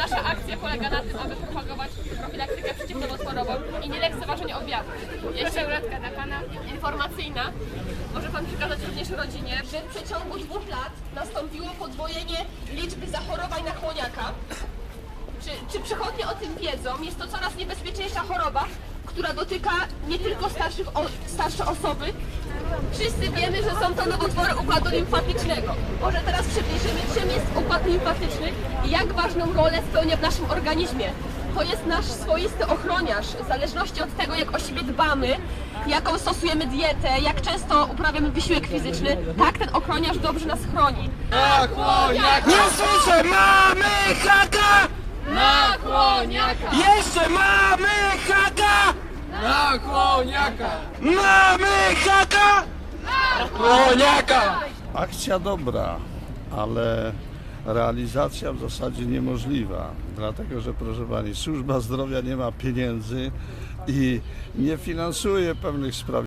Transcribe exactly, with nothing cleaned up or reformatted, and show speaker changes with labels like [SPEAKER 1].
[SPEAKER 1] Nasza akcja polega na tym, aby propagować profilaktykę przeciwnowotworową i nie lekceważenie objawów. Jeszcze ulotka dla Pana informacyjna. Może Pan przekazać również rodzinie, że w przeciągu dwóch lat nastąpiło podwojenie liczby zachorowań na chłoniaka. Czy, czy przychodnie o tym wiedzą? Jest to coraz niebezpieczniejsza choroba, która dotyka nie tylko starszych, o, starsze osoby. Wszyscy wiemy, że są to nowotwory układu limfatycznego. Może teraz przybliżymy, czym jest układ limfatyczny i jak ważną rolę spełnia w naszym organizmie. To jest nasz swoisty ochroniarz, w zależności od tego, jak o siebie dbamy, jaką stosujemy dietę, jak często uprawiamy wysiłek fizyczny, tak ten ochroniarz dobrze nas chroni.
[SPEAKER 2] Na chłoniaka!
[SPEAKER 3] Nie słyszę! Mamy haka!
[SPEAKER 2] Na chłoniaka!
[SPEAKER 3] Jeszcze mamy haka!
[SPEAKER 2] Na chłoniaka!
[SPEAKER 3] Mamy haka!
[SPEAKER 2] Chłoniaka!
[SPEAKER 4] Akcja dobra, ale realizacja w zasadzie niemożliwa, dlatego że, proszę Pani, służba zdrowia nie ma pieniędzy i nie finansuje pewnych spraw.